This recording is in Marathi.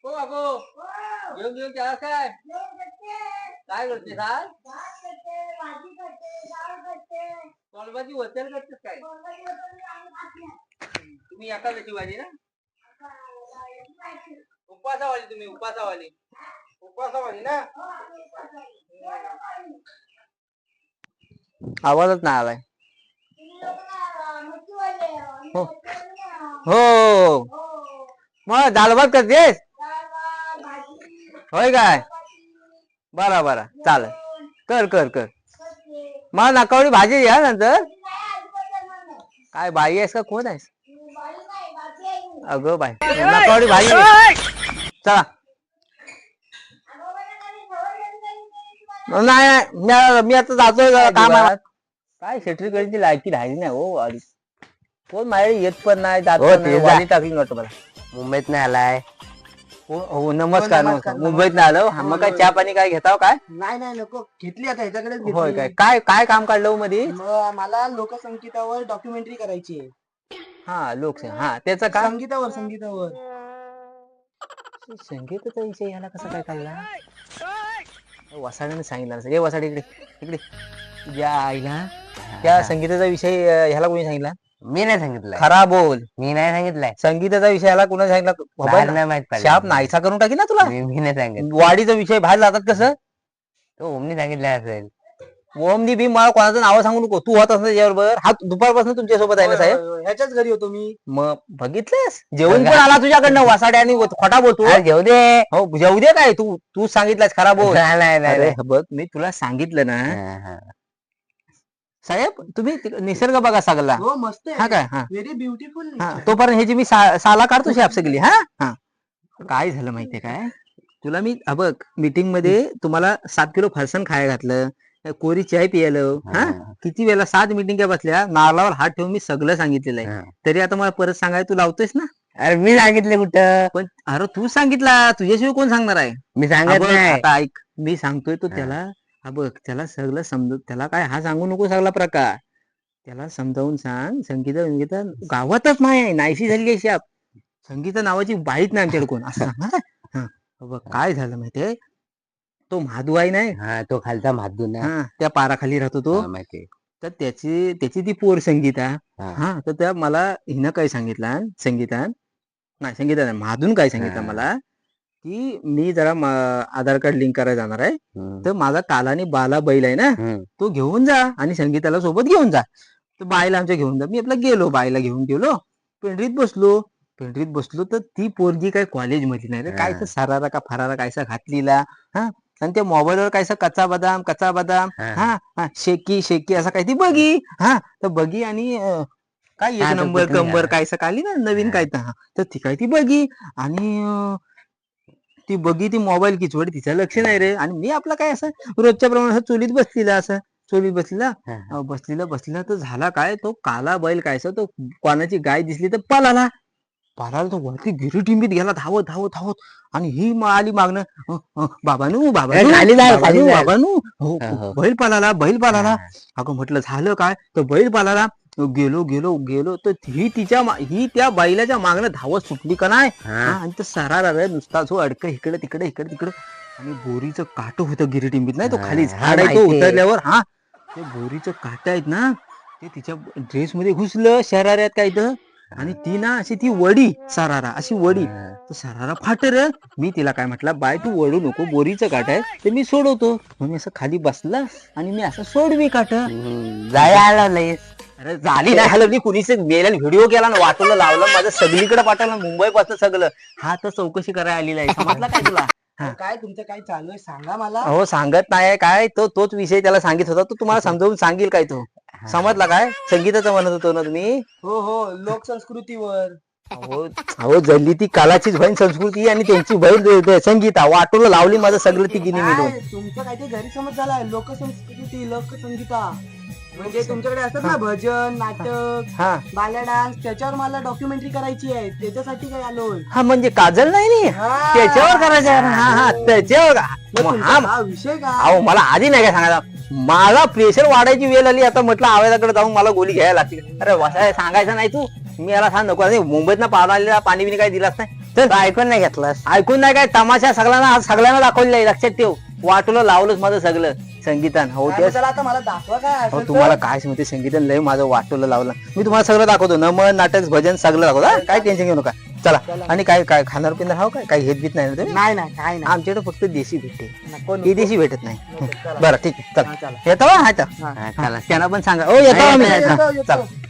हो बाबू घेऊन घेऊन त्याला काय काय करते काय कोलबाची वचन करतेस काय तुम्ही एका त्याची भाजी ना उपासावाली तुम्ही उपासावाली उपासावाली ना आवाजच नाही आलाय हो हो मग दाल भात करतेस होय काय बरा बरा चालेल कर कर कर मला नकावडी भाजी घ्या नंतर काय बाई आहेस का कोण आहेस अगं बाई नकावडी भाजी चला नाही मी आता जातोय कामात काय शेट्रीकडची लायकी राहिली नाही हो आधी कोण माझ्या येत पण नाही जात पण नाही वाली टाकली नव्हतं मला मुंबईत नाही आलाय. हो नमस्कार नमस्कार मुंबईत नाही आलो मग काय चहा पाणी काय घेताव काय नाही नाही नको घेतली आता ह्याच्याकडेच होय घेतली. काय काय काय काम काढलं मध्ये मला लोकसंगीतावर डॉक्युमेंटरी करायची आहे. हा लोकसंगीत हा त्याचं काय संगीतावर संगीतावर संगीताचा विषय याला कसा काय काढला वसाडीने सांगितलं नसेल. हे वसाडी इकडे इकडे या आईला त्या संगीताचा विषय ह्याला कोणी सांगितला मी नाही सांगितलंय. खरा बोल मी नाही सांगितलंय. संगीताचा विषय ह्याला कोणा बाहेर सांगितला नाही माहित पडलं. शाप नाहीसा करून टाकी ना तुला मी नाही सांगितलं. वाडीचा विषय बाहेर जातात कसं तो ओमनी सांगितलं असेल. ओमनी बी मला कोणाचं नाव सांगू नको तू होत असं त्याच्याबरोबर हा दुपारपासून तुमच्या सोबत आहे ना साहेब ह्याच्याच घरी होतो मी. मग बघितलंस जेवण पण आला तुझ्याकडनं वासाड्या आणि खोटा बोलतो अरे घेऊ दे. हो जेवू दे काय तू तू सांगितलंस खरा बोल नाही, नाही, नाही, अरे नाही. बघ मी तुला सांगितलं ना हा, हा. साहेब तुम्ही निसर्ग बघा सगळा हो मस्त हा काय हा व्हेरी ब्युटिफुल. हा तोपर्यंत ह्याची मी साला काढतो शाप सगळी हा हा काय झालं माहितीये काय तुला मी बघ मीटिंग मध्ये तुम्हाला 7 किलो फरसाण खायला घातलं कोरी चाय पियालो हा किती वेळा 7 मीटिंग बसल्या नारळावर हात ठेवून मी सगळं सांगितलेलं आहे हा. तरी आता मला परत सांगाय तू लावतोयस ना अरे मी सांगितलं कुठं. पण अरे तू सांगितला तुझ्याशिवाय कोण सांगणार आहे मी हा सांगत बघ, नाही. आता ऐक मी सांगतोय तो हा. त्याला हा बघ त्याला सगळं समजत त्याला काय हा सांगू नको सगळा प्रकार त्याला समजावून सांग संगीता गावातच नाही आहे नाहीशी झाली आहे शाप संगीता नावाची बाईच नाही आमच्याकडे कोण असं सांग हा. हा बघ काय झालं माहितीये तो महादू आहे नाही हा तो खालचा माधू ना. हा त्या पाराखाली राहतो तो हा, माहिती. तर त्याची ती पोर संगीता हा. हा तर त्या मला हिनं काय सांगितलं संगीता नाही महादून काय सांगितलं हा. मला की मी जरा आधार कार्ड लिंक करायला जाणार आहे हम्म. तर माझा कालानी बाला बैल आहे ना हम्म. तो घेऊन जा आणि संगीताला सोबत घेऊन जा तर बाईला आमच्या घेऊन जा मी आपला गेलो बाईला घेऊन गेलो पेंढरीत बसलो तर ती पोरगी काय कॉलेज मध्ये नाही रे काय तर सरारा का फरारा कायसा घातलेला हा आणि त्या मोबाईलवर कायसा कच्चा बदाम हा. हा शेकी असं काय ती बघी हा तर बघी आणि काय हा, एक तो नंबर पिकनिक कंबर आला. कायसा काली ना नवीन हा. काय तर हा तर ती काय ती बघी आणि ती बघी ती मोबाईल किचवड तिचं लक्ष नाही रे आणि मी आपला काय असं रोजच्या प्रमाणे असं चोलीत बसलेला हा. बसलेला तर झाला काय तो काला बैल कायसा तो कोणाची गाय दिसली तर पळाला तो वरती गिरीटिंबीत गेला धावत आणि ही आली मागणं बाबानू खाली जाय. हो हो. बैल पालाला अगं म्हटलं झालं काय तर बैल पालाला गेलो तर ही त्या बैलाच्या मागणं धावत सुटली का नाही हा. आणि तर सरारा रे नुसता जो अडक इकडे तिकडे आणि बोरीचं काट होतं गिरीटिंबीत नाही तो खाली हा, झाड आहे तो माहितीये. उतरल्यावर हा ते बोरीचं काट आहेत ना ते तिच्या ड्रेस मध्ये घुसलं शराऱ्यात काय तर आणि ती ना अशी ती वडी सरारा अशी वडी हा. तर सरारा फाट रे मी तिला काय म्हटलं बाय तू वडू नको बोरीचं काट आहे ते मी सोडवतो मग मी असं खाली बसला आणि मी असं सोडवी काट जाय आलं लयच. अरे झाली नाही हलवली कुणीच मेल्याने व्हिडिओ केला ना वाटवलं लावलं माझं सगळीकडे पाठवलं मुंबई पासून सगळं हा तर चौकशी करायला आलेला आहे समजला काय तुला हा. काय तुमचं काय चालू आहे सांगा मला. हो सांगत नाही काय तोच विषय त्याला सांगित होता तो तुम्हाला समजावून सांगेल काय तो समजला काय संगीताचं म्हणत होतो ना तुम्ही हो लोकसंस्कृतीवर. अहो जल्ली ती कालाचीच बहीण संस्कृती आणि त्यांची बहीण संगीता वाटोला लावली माझं सगळं ती गिनी मिळून काय तुमचं काहीतरी गैरसमज झालाय. लोकसंस्कृती लोकसंगीता म्हणजे तुमच्याकडे असतात ना भजन नाटक हा बाल्या डान्स त्याच्यावर मला डॉक्युमेंटरी करायची आहे त्याच्यासाठी काय आलोय. हा म्हणजे काजल नाही नी हा. त्याच्यावर करायचं आहे. हा त्याच्यावर मग मग तुमचा हा विषय काय. अहो मला आधी नाही काय सांगायचा मला प्रेशर वाढायची वेळ आली आता म्हटलं आवाजाकडे जाऊन मला गोळी घ्यायला लागते अरे वसाय सांगायचं नाही तू मी याला सांग नको अरे मुंबईत ना आलेला पाणी बिणी काय दिलास नाही चल ऐकून नाही घेतलास ऐकून नाही काय तमाशा सगळ्यांना दाखवलेला आहे लक्षात ठेव वाटलं लावलंच माझं सगळं संगीतान हो काय तेच चला आता मला दाखवा काय हो असेल तुम्हाला तर. काय सांगते संगीतन लय माझं वाटोलं लावलं मी तुम्हाला सगळं दाखवतो नमन नाटक भजन सगळं दाखवतो हा? काय टेन्शन घेऊ नका चला आणि काय काय खाणार पिणार हो काय काही हेत बीत नाही ना तुम्ही नाही नाही काय नाही आमच्याकडे फक्त देशी भेटते नको, ही नको. देशी भेटत नाही नको, चला. बरं ठीक आहे हा, चला चला. येतो हा हा, चला त्यांना पण सांगा ओ येतो आम्ही येतो, येतो, येतो. चला